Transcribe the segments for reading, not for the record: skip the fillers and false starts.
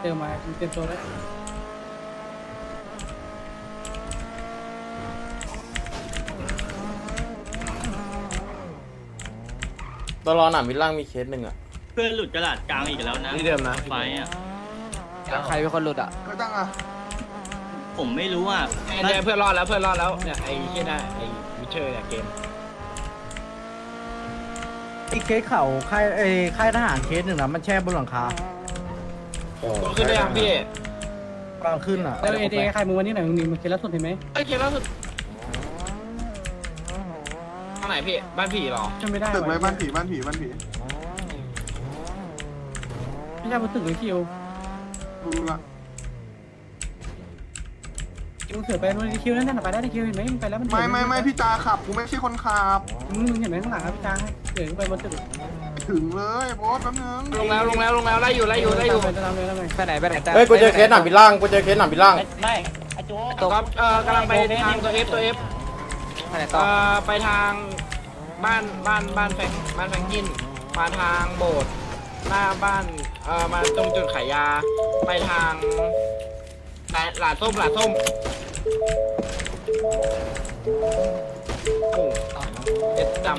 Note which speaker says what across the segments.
Speaker 1: ติมมาเตรียมตัวแล้ว
Speaker 2: ตลอดหนามวิลล่างมีเคสหนึ่งอ่ะ
Speaker 3: เพื่อนหลุดกระดาษกลางอีกแล้วนะ
Speaker 4: ที่เดิมนะ
Speaker 3: ไฟอ่ะ
Speaker 4: ใครเป็นคนหลุดอ่ะ
Speaker 5: ไม่ตั้งอ่ะ
Speaker 3: ผมไม่รู้อ่ะ
Speaker 4: เนี่ยเพื่อนรอดแล้วเนี่ยไอ้ที่น่ะไอ้วิเชอร์เนี่ยเกม
Speaker 6: อีกเคสเข่าค่ายทหารเคสหนึ่งนะมันแช่บนหลังคา
Speaker 4: ขึ้นได้ยังพี่
Speaker 6: กำลังขึ้นอ่ะ
Speaker 1: แล้วเอใครมึงวันนี้ไหนมึงนี่มันเคสล่าสุดเห็นไหม
Speaker 4: ไอ้เคสล่าสุดทางไหนพี่บ้านผีเหรอ
Speaker 1: จำไม่ได้
Speaker 5: ตึกเลย
Speaker 1: ว่ะ
Speaker 5: บ้านผี
Speaker 1: ไม่ใช่บนตึกเลยคิว
Speaker 5: รู้ละ
Speaker 1: คิวเสือไปนู่นคิวนั่นน่ะไปได้คิวเห็นไหมมึงไปแล้วมัน
Speaker 5: ไม่พี่จาขับกูไม่ใช่คนขับ
Speaker 1: มึงเห็นไหมข้างหลังครับพี่จางเสือไปบนตึก
Speaker 5: ถึงเลยโบสแป๊บนึง
Speaker 4: ลงแล้วไล่อยู่
Speaker 1: ไปตามเลย
Speaker 4: ไปไหน
Speaker 2: เฮ้ยกูเจอเคสหนามวิลล่าง
Speaker 3: ไม่ไอโจ้
Speaker 4: ตัวครับกำลังไปทางตัว F ไปทางบ้านแฟงกินมาทางโบสถ์หน้าบ้านมาตรงจุดขายยาไปทางหลาดส้มโอ้เอ็ดจ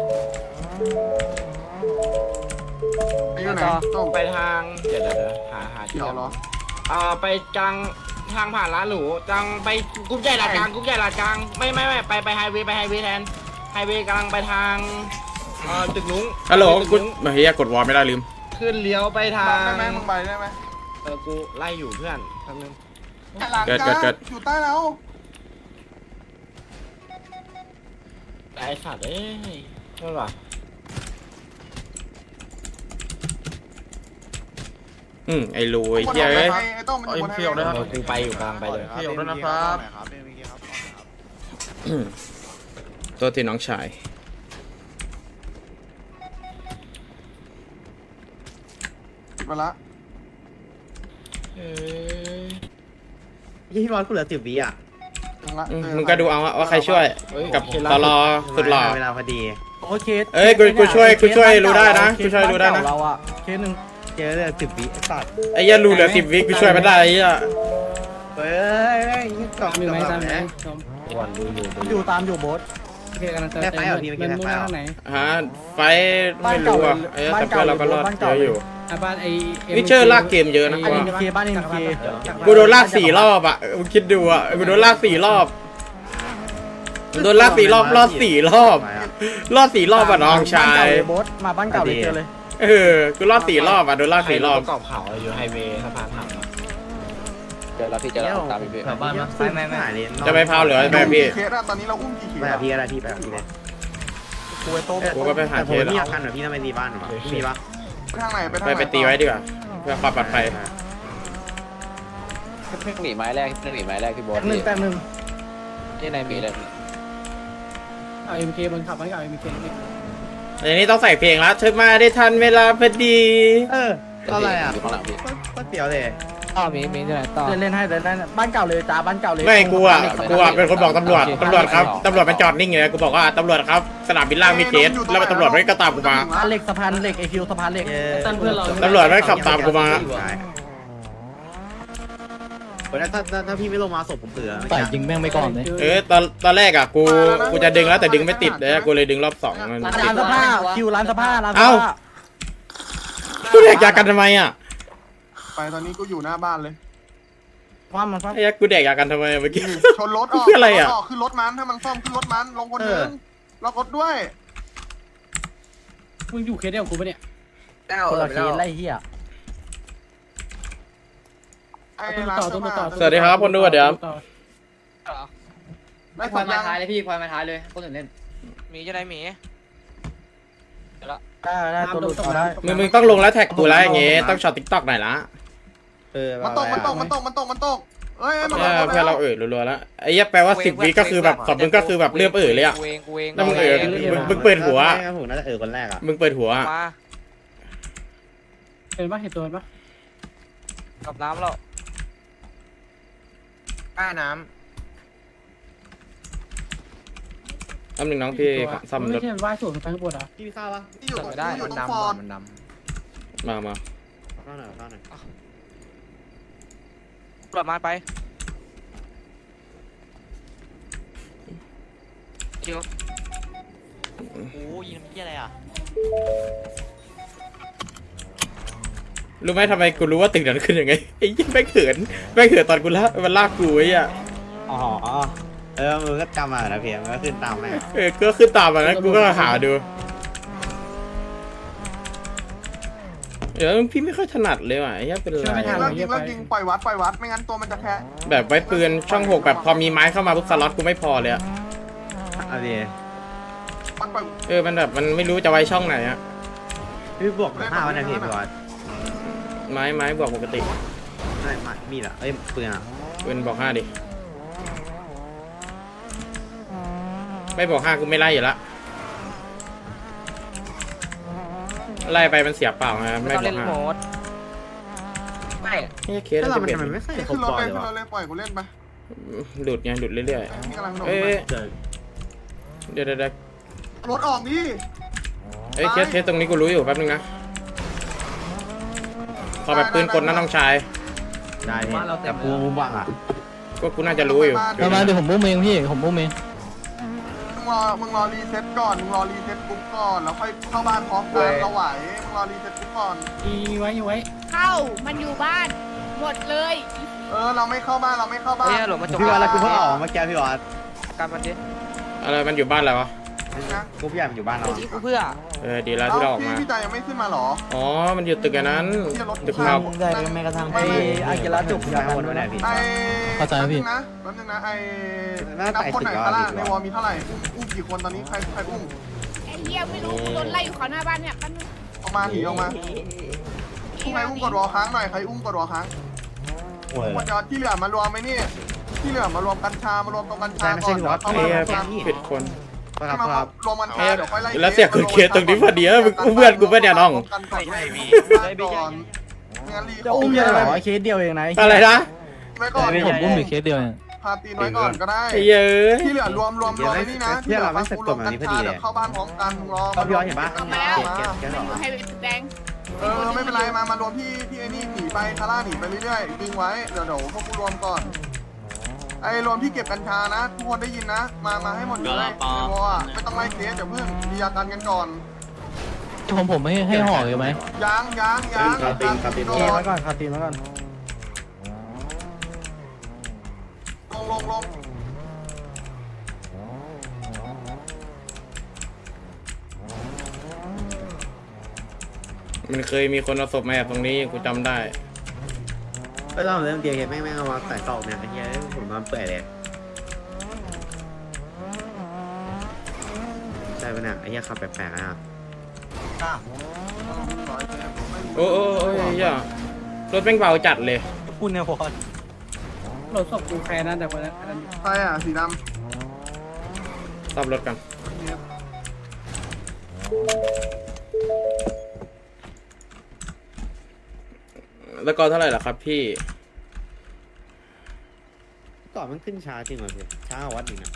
Speaker 5: อยู่ไหนต้ม
Speaker 4: ำไปทางเดี๋ยวหา
Speaker 5: เขียวเหรอ
Speaker 4: ไปกลางทางผ่านร้านหรูจังไปกรุ๊ปใหญ่ลาดกลางไม่ไปไฮเวย์แทนไฮเวย์กำลังไปทางตึกนุ้ง
Speaker 2: ฮัลโหล
Speaker 4: ตึ
Speaker 2: กู
Speaker 4: นุ้ง
Speaker 2: เฮียกดวอลไม่ได้ลืม
Speaker 4: ขึ้นเลี้ยวไปทา
Speaker 5: บั
Speaker 4: ง
Speaker 5: งได้ไหมมึงไปได้ไหม
Speaker 4: กูไล่อยู่เพื่อนแป๊บนึง
Speaker 5: หลังจ้าอยู่ใต้แล้ว
Speaker 4: ไอ้สัตว์เอ้ยนั่นหรอ
Speaker 2: ไอ้รูไอ้เฮียเอ้ย
Speaker 5: ไอ้ต้มมันอยู่บนไฮเวย์
Speaker 4: กูไปอยู่กลางไปเลย
Speaker 7: เขียวด้วยนะครับ
Speaker 2: ตัวที่น้องชาย
Speaker 5: มาละ
Speaker 6: พี่บอลกูเหลือ10 วิอ่ะ
Speaker 5: ถึงละ
Speaker 2: มึงก็ดูเอาว่าใครช่วยกับตลอสุดหล่อ
Speaker 6: เวลาพอดีโอเค
Speaker 2: เอ้ยกูช่วยรู้ได้นะกูช่วยรู้ได้นะ
Speaker 6: เราอ่ะเคสหนึ่งเจอเลย10 วิไอ้สัตว์
Speaker 2: ไอ้เหี้ยรูเหลือ10 วิกูช่วยไม่ได้ไอ้เหี้ย
Speaker 6: เฮ้ยกล่อง
Speaker 1: มีไหมตามไหน
Speaker 6: อยู่ตามอยู่โบ๊ท
Speaker 1: โอเคกำลังจะมันมุ่งหน้าทางไหน
Speaker 2: ฮะไฟไม่รู้อ่ะแต่เพื่อนเราก็รอดเยอะอยู่
Speaker 1: บ้านไอ้
Speaker 2: วิเชอร์ลากเกมเยอะนะ
Speaker 6: บ้าน
Speaker 2: ว่า
Speaker 6: MK บ้าน MK
Speaker 2: กูโดนลาก4 รอบอ่ะมึงคิดดูอ่ะกูโดนลาก4 รอบโดนลาก4 รอบรอด4 รอบรอด4 รอบอ่ะน้องชาย
Speaker 6: โบ๊ทมาบ้านเก่าเลยเจอเลย
Speaker 2: กูรอด4 รอบอ่ะโดนลาก4 รอบ
Speaker 4: กรอบเขาอยู่ไฮเวย์สะพานถัง
Speaker 7: เจอแล้วพี่เจอแล้วตามพี่
Speaker 6: บ้านไม่
Speaker 2: จะไปพาวเหลือไปพี่
Speaker 5: เคสอะตอนนี้เราอุ้มกี่เคส
Speaker 6: ไปกับพี่อะไรพี่ไปกับพี่เลยกู
Speaker 2: ก็ไปหาเคส
Speaker 6: พี่อยากกันเหรอพี่ทำไมตีบ้านหรอมีปะ
Speaker 5: ทางไหนไปทางไหน
Speaker 2: ไปตีไว้ดีกว่าเพื่อความปลอดภัย
Speaker 7: เพิ่งหนีไม้แรกพี่โบ๊ท
Speaker 6: แป๊บนึง
Speaker 7: ที่ในมีเลย
Speaker 1: เอาเอ็มเคบนขับไว้กับเอ็มเค
Speaker 2: อันนี้ต้องใส่เพลงแล้วเธอมาได้ทันเวลาพอดี
Speaker 6: อะไรอ่ะ
Speaker 7: อยู่ข้างหลังพี่
Speaker 6: ก็เตี๋ยวเลย
Speaker 4: ต่อมีที่ไหนต่อ
Speaker 6: เล่นให้เล่นบ้านเก่าเลยจ้าบ้านเก่าเลย
Speaker 2: ไม่กูอ่ะเป็นคนบอกตำรวจครับตำรวจมันจอดนิ่งเลยกูบอกว่าตำรวจครับสนามบินล่างมีเคสแล้วตำรวจไม่ก็ตามกูมา
Speaker 6: สะพานเหล็กสะพานเหล็กไอคิวสะพานเหล็ก
Speaker 1: ตั้นเพื่อนเรา
Speaker 2: ตำรวจไม่ขับตามกูมา
Speaker 6: ถ้าพี่ไม่ลงมาศพผมเสือ
Speaker 4: ใส่ยิงแม่งไม่ก่อนเลย
Speaker 2: ตอนแรกอ่ะกูจะดึงแล้วแต่ดึงไม่ติดเลยกูเลยดึงรอบ2มัน
Speaker 6: ร้านสภาคิวร้านสภาร้านสภา
Speaker 2: กูแดกยากันทำไมอ่ะ
Speaker 5: ไปตอนนี้กูอยู่หน้าบ้านเลย
Speaker 6: ความมันความ
Speaker 2: ไอ้ยักษ์กูแดกยากันทำไมเมื่อกี้
Speaker 5: ชนรถออก
Speaker 2: คืออะไรอะ
Speaker 5: ขึ้นรถมันถ้ามันซ่อมขึ้นรถมันลงคนนึงล็อกรถด้วย
Speaker 1: มึงอยู่เคสเดียวกูปะเนี่ย
Speaker 6: คนละเคสไล่เหี้ย
Speaker 5: ไอ้
Speaker 1: ต้น
Speaker 5: ร้าน
Speaker 1: ต่อ
Speaker 5: เสื้
Speaker 1: ต้
Speaker 5: อน ผ้า
Speaker 1: ต่อ
Speaker 2: สวัสดีครับคนดูเดี๋ยว
Speaker 5: ได้
Speaker 8: พล
Speaker 5: สั
Speaker 8: อย
Speaker 5: ญ
Speaker 8: มา
Speaker 5: ญาณ
Speaker 8: ท้ายเลยพี่พลอยมาท้ายเลยคนอื่นเล่น
Speaker 7: มีจะได้มี
Speaker 6: ได้ตัวหลุดเอาได้
Speaker 2: มึงต้องลงแล้วแท็กกูแล้วอย่างงี้ต้องช็อตติ๊กต็อกหน่อยละ
Speaker 5: มันตกเอ้ยมัน
Speaker 2: เพื่อนเรารัวๆแล้วไอ้ยักษ์แปลว่า10 วิก็คือแบบสอบมึงก็คือแบบเริ่มเลยอ่ะ
Speaker 7: กูเอง
Speaker 2: แล้วมึงมึงเปิดหัว
Speaker 6: ผมน่าจะคนแรกอ่ะ
Speaker 2: มึงเปิดหัว
Speaker 7: มา
Speaker 1: เห็นปะเห็นตัวปะ
Speaker 7: กับน้ำแล้ว
Speaker 4: ป้าน้
Speaker 2: อันหนึ่งน้องพี่ซ่อมร
Speaker 1: ไม่
Speaker 2: ถ
Speaker 1: ใช่ว่ายสูงไปข้างบนอ่ะ
Speaker 6: พี่ข้าวปะ
Speaker 5: ที่อยู่ตรง
Speaker 7: ไม่ได้
Speaker 5: อยู่
Speaker 7: มัน
Speaker 5: ตรง
Speaker 7: ดำ
Speaker 5: ฟอร์ด
Speaker 7: มันด
Speaker 2: มา
Speaker 6: ข้าวหน่อยข้าวหน่อย
Speaker 7: ประมาณไปคิวโอ้ยิงที่อะไรอ่ะ
Speaker 2: รู้ไหมทำไมกูรู้ว่าตึกนั้นขึ้นยังไงไอ้ยี่แม่งเขินตอนกูละมันลากกูไอ้อ่ะ
Speaker 6: อ๋อมึงก็จำมาแล้วเพียงมันก็ขึ้นตามแม่
Speaker 2: ก็ขึ้นตามมาแล้วกูก็หาดูเดี๋ยวพี่ไม่ค่อยถนัดเลยว่ะไอ้เหี้ยเป็นไร
Speaker 5: เลิกยิงปล่อยวัดไม่งั้นตัวมันจะแพ้
Speaker 2: แบบไว้ปืนช่องหกแบบพอมีไม้เข้ามาปุ๊บสล็อตกูไม่พอเลยอะ
Speaker 6: อะไร
Speaker 5: มันปล่อย
Speaker 2: มันแบบมันไม่รู้จะไว้ช่องไหนอะ
Speaker 6: พี่บวก5วันนะพี่บอส
Speaker 2: ไม้บวกปกติ
Speaker 6: ไม่มีเหรอปืนอ่ะ
Speaker 2: ปืนบอก5ดิไม่บอก5กูไม่ไล่อยู่ละไล่ไปมันเสียเปล่าไง
Speaker 7: ไม่
Speaker 2: ไม่
Speaker 7: ต้อง
Speaker 2: บอ
Speaker 7: เล่
Speaker 2: ก
Speaker 7: นโหม
Speaker 2: 5
Speaker 7: ดไม่
Speaker 2: นี่เคส
Speaker 6: แล้ว
Speaker 2: จะ
Speaker 6: มัน
Speaker 2: เป็น
Speaker 6: ทำไมไม่ใส่ครบ
Speaker 5: ขึ้นรถ
Speaker 6: บอล
Speaker 5: เลย
Speaker 6: เลยวะ
Speaker 5: ปล่อยกูเล่นไป
Speaker 2: หลุดเรื่อย
Speaker 5: นี่กำลังโด
Speaker 2: ๆ
Speaker 5: น
Speaker 2: เอ้ย
Speaker 6: เจอ
Speaker 2: เดี๋ยว
Speaker 5: รถออกดิ
Speaker 2: เอ้ยเคสตรงนี้กูรู้อยู่แป๊บนึงนะขอแบบปืนกลนะน้องชาย
Speaker 6: ได้พี่แต่กูบังอ่ะ
Speaker 2: ก็กูน่าจะรู้อยู่
Speaker 1: ประมาณเดี๋ยวผมบุ้มเองพี่ผมบุ้มเอง
Speaker 5: มึงรอรีเซ็ตก่อนมึงรอรีเซ็ตปุ๊บก่อนแล้วค่อยเข้าบ้านพร้อมกันเราไหวมึงรอรีเซ็ตปุ๊บก่อน
Speaker 1: อยู่ไว้
Speaker 9: เข้ามันอยู่บ้าน หมดเลย
Speaker 5: เราไม่เข้าบ้าน
Speaker 7: เฮ้ยหลบมาจบ
Speaker 6: พี่บอสแล้วกูเพิ่งออกเมื่อกี้พี่บอส
Speaker 7: การมันดิ
Speaker 2: อะไรมันอยู่บ้านแล้ววะ
Speaker 5: นะ
Speaker 6: กูพี่ใหญ่มันอยู่บ้านเรา
Speaker 7: กูเพื่อ
Speaker 2: ดีแล้วที่เราออกมา
Speaker 5: พี่จ่ายยังไม่ขึ้นมาหรอ
Speaker 2: อ๋อ มันอยู่ตึกอันนั้น
Speaker 5: ที่จะรถ
Speaker 2: ตึกเรา
Speaker 6: ได้แม้กระทั่งไอ้อากิระจุกย้ายวนมาไหนพี่
Speaker 5: แป๊บนึงนะนับคนไหนข้างล่างในวอลมีเท่าไหร่อุ้มกี่คนตอนนี้ใครอุ้ม
Speaker 9: ไอ้เหี้ยไม่รู้โดนไล่อยู่เขาหน้าบ้านเนี่ยปั้น
Speaker 5: ออกมาหนีออกมาใครอุ้มกดวอลค้างหน่อยใครอุ้มกดวอลค้าง
Speaker 6: โอ้ย
Speaker 5: หมดยอดที่เหลือมารวมไหมนี่ที่เหลือมารวมกัญชามารวมตรงกัญชาก่อน
Speaker 2: เอ้ยผิดคน
Speaker 6: ครับ
Speaker 5: รวมกัญชาเดี๋ยวค่อยไล่
Speaker 2: แล้วเสียคุณเคสตรงนี้พอดีแล้วมึงเพื่อนกูไม่เนี่ยน้อง
Speaker 5: ไม่มีก่อนงั้นรี
Speaker 6: จะอุ้มยังไงวะเคสเดียวเองนะ
Speaker 2: อะไรนะ
Speaker 5: ไว้ก่อน
Speaker 1: ผมบุ้มอีกเคสเดียวเนี่ย
Speaker 5: พาตีนไว้ก่อนก็ได้
Speaker 2: ไอ้เย้ย
Speaker 5: ที่เหลือรวมไอ้นี่นะที่เหลือฟังกูรวมกัญชาเดี๋ยวเข้าบ้านพร้อมกันรอ
Speaker 6: พี่บอสเห็นปะ
Speaker 9: ออกมาแล้ว
Speaker 6: เคส
Speaker 9: มันอยู่ให้แดง
Speaker 5: ไม่เป็นไรมารวมที่ไอ้นี่หนีไปคาร่าหนีไปเรื่อยๆดึงไว้เดี๋ยวพวกกูรวมก่อนไอ้รวมที่เก็บกัญชานะทุกคนได้ยินนะมาให้หมดเลยในวอลไม่ต้องไล่เคสเดี๋ยวเพิ่งมีอาการกันก่อน
Speaker 1: ผมไม่ให้ห่อเลยไหม
Speaker 5: ยัง
Speaker 6: คาตีนไว้ก่อนคาตีนไว้ก่อน
Speaker 5: ลง
Speaker 2: มันเคยมีคนเอาศพมาแอบตรงนี้กูจำได้
Speaker 6: ก็ต้องเริ่มเดียวเห็นแม่งเอามาใส่ตอกเนี่ยไอ้เหี้ยผมนอนเปื่อยเลยใช่ปะเนี่ยไอ้เหี้ยขับแปลกๆนะ
Speaker 2: โอ้ยอย่รถแม่งเบาจัดเลย
Speaker 6: พูดเนี่ยพอ
Speaker 1: รถศพกูแฟนนะแต่คนนั้น
Speaker 5: ใช่อ่ะสีด
Speaker 2: ซ่อมรถกันแล้วก็เท่าไหร่ล่ะครับพี่
Speaker 6: ก่อนมันขึ้นช้าจริงเหรอพี่ช้ากว่าวัดอีกนะ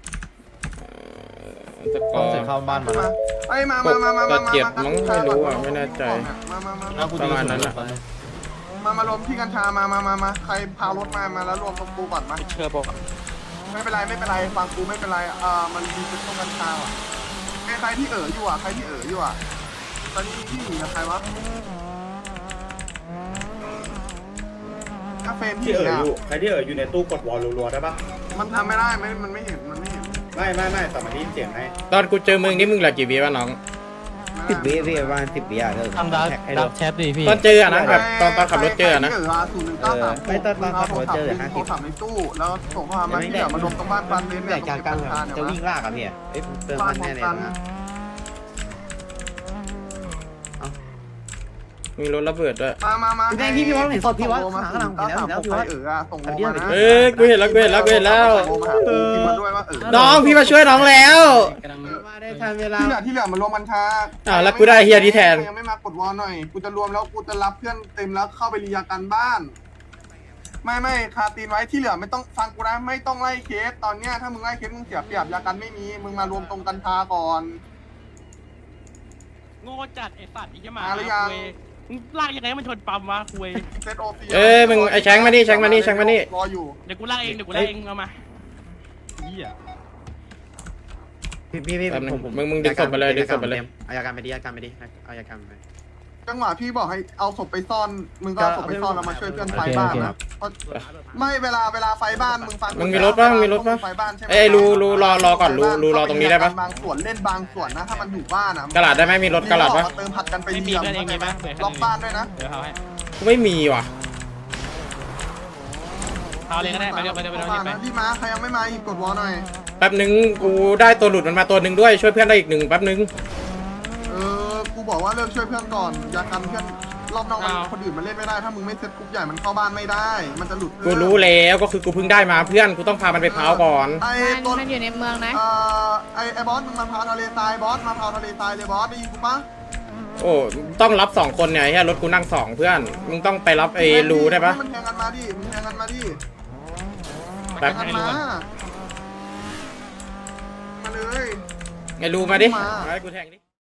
Speaker 2: ตะกอ
Speaker 6: เข้าบ้านมา
Speaker 5: ำไอ้มา
Speaker 2: ไม่แน่ใจ ประมาณนั้นอ่ะ
Speaker 5: มารวมที่กัญชามาใครพารถมาแล้วรวมตรงกูก่อนมา
Speaker 7: เชื่อบอก
Speaker 5: ไม่เป็นไรฟังกูไม่เป็นไรมันมีจุดตรงกัญชาอ่ะใครที่อยู่อ่ะตอนนี้ที่หนีกับใครวะกาเฟนที่อยู่
Speaker 6: ใครที่อยู่ในตู้กดวอลรัวๆได้ปะ
Speaker 5: มันทำไม่ได้มันไม่เห็น
Speaker 6: ไม่แต่มันได้ยินเสียงให้
Speaker 2: ตอนกูเจอมึงนี่มึงเหลือกี่วิวะน้อง
Speaker 6: 10 วิพี่ประมาณ10 วิอ่ะ
Speaker 1: ทำดักแชทดิพี่
Speaker 2: ตอนเจออะนะแบบตอนขับรถเจออะนะ
Speaker 6: ไม่ตอนขับรถเจอ50
Speaker 5: ขับในตู้แล้วส่งข้อความมาที่เดี๋ยวมารวมตรงบ้านฟันเลน
Speaker 6: แต่กลางๆจะวิ่งลากอ่ะพี่เติมมันแน่เลยนะ
Speaker 2: มีรถระเบิดด้วย
Speaker 5: มา
Speaker 6: พี่แดงพี่วัดเห็นศพพี่วัดข้างหลังเห็นแล้วพี่วัด
Speaker 5: ส่งโลมานะ
Speaker 2: เอ้ยกูเห็นแล้วกินมา
Speaker 5: ด้วยว่า
Speaker 2: น้องพี่มาช่วยน้องแล้ว
Speaker 6: มาได้ทันเวลา
Speaker 5: ที่เหลือมันรวมกัญชา
Speaker 2: แล้วกูได้เฮียดีแทน
Speaker 5: ยังไม่มากดวอลหน่อยกูจะรวมแล้วกูจะรับเพื่อนเต็มแล้วเข้าไปรียากันบ้านไม่คาตีนไว้ที่เหลือไม่ต้องฟังกูนะไม่ต้องไล่เคสตอนเนี้ยถ้ามึงไล่เคสมึงเสียเปรียบยากันไม่มีมึงมารวมตรงกัญชาก่อน
Speaker 4: โง่จัดไอ้สัตว์อีกจะมา
Speaker 5: หรือยัง
Speaker 3: ลากยังไงมันชนปั๊มวะคุย
Speaker 5: เซตโอซี
Speaker 2: มึงไอ้แชงมานี่แชงมานี่แชงมานี่
Speaker 5: รออยู่
Speaker 3: เดี๋ยวกูลากเองเดี๋ยวกูลากเองเอามา
Speaker 6: พี่
Speaker 2: มึงดึงศพมาเลยดึงศพมาเลย
Speaker 6: เอายาการไปดิเอายาการไปดิเอายาการไป
Speaker 5: จังหวะพี่บอกให้เอาศพไปซ่อนมึงก็เอาศพไปซ่อนแล้วมาช่วยเพื่อนไฟบ้านนะไม่เวลาไฟบ้านมึงฟัง
Speaker 2: มึงมีรถป่ะมึงมีรถป่ะ
Speaker 5: ไฟบ้านใช่ไหม
Speaker 2: ไอ้รูรอก่อนรูรอตรงนี้ได้ปะ
Speaker 5: บางส่วนเล่นบางส่วนนะถ้ามันอยู่บ้านอ่ะ
Speaker 2: กระดาษได้ไหมมีรถกระดาษปะ
Speaker 5: มาเติมผัดกันไปเยี่ยมล็อกบ้านด้วยนะ
Speaker 3: เดี๋ยวเอาให้
Speaker 2: กูไม่มีว่ะ
Speaker 3: เอาเลยก็ได้ไปเร็วไปเร็วไปเร็ว
Speaker 5: บ้าน
Speaker 3: ไป
Speaker 5: นะที่มาใครยังไม่มาหยิบกดวอลหน่อย
Speaker 2: แป๊บนึงกูได้ตัวหลุดมันมาตัวหนึ่งด้วยช่วยเพื่อนได้อีกหนึ่งแป๊บนึง
Speaker 5: กูบอกว่าเลิกช่วยเพื่อนก่อนอย่ากันเพื่อนรอบนอกมันคนอื่นมันเล่นไม่ได้ถ้ามึงไม่เซตกรุ๊ปใหญ่มันเข้าบ้านไม่ได้ มันจะหลุด
Speaker 2: กูรู้แล้วก็คือกูเพิ่งได้มาเพื่อนกูต้องพามันไปพาวก่อน
Speaker 5: ไอ้ต้น
Speaker 9: มันอยู่ในเมืองนะ
Speaker 5: ไอ้บอสมึงมาพาวทะเลทรายบอสมาพาวทะเลทรายเลยบอสได้ยินกูปะ
Speaker 2: โอ้ต้องรับ2คนเนี่ยไอ้รถกูนั่ง2เพื่อนมึงต้องไปรับไอ้รูได้ปะ
Speaker 5: มันแทงกันมาดิมึงแทงกันมาดิ
Speaker 2: แป๊บ
Speaker 5: แทงกันมามาเลย
Speaker 2: ไอ้รูมาดิให้กูแทงดิ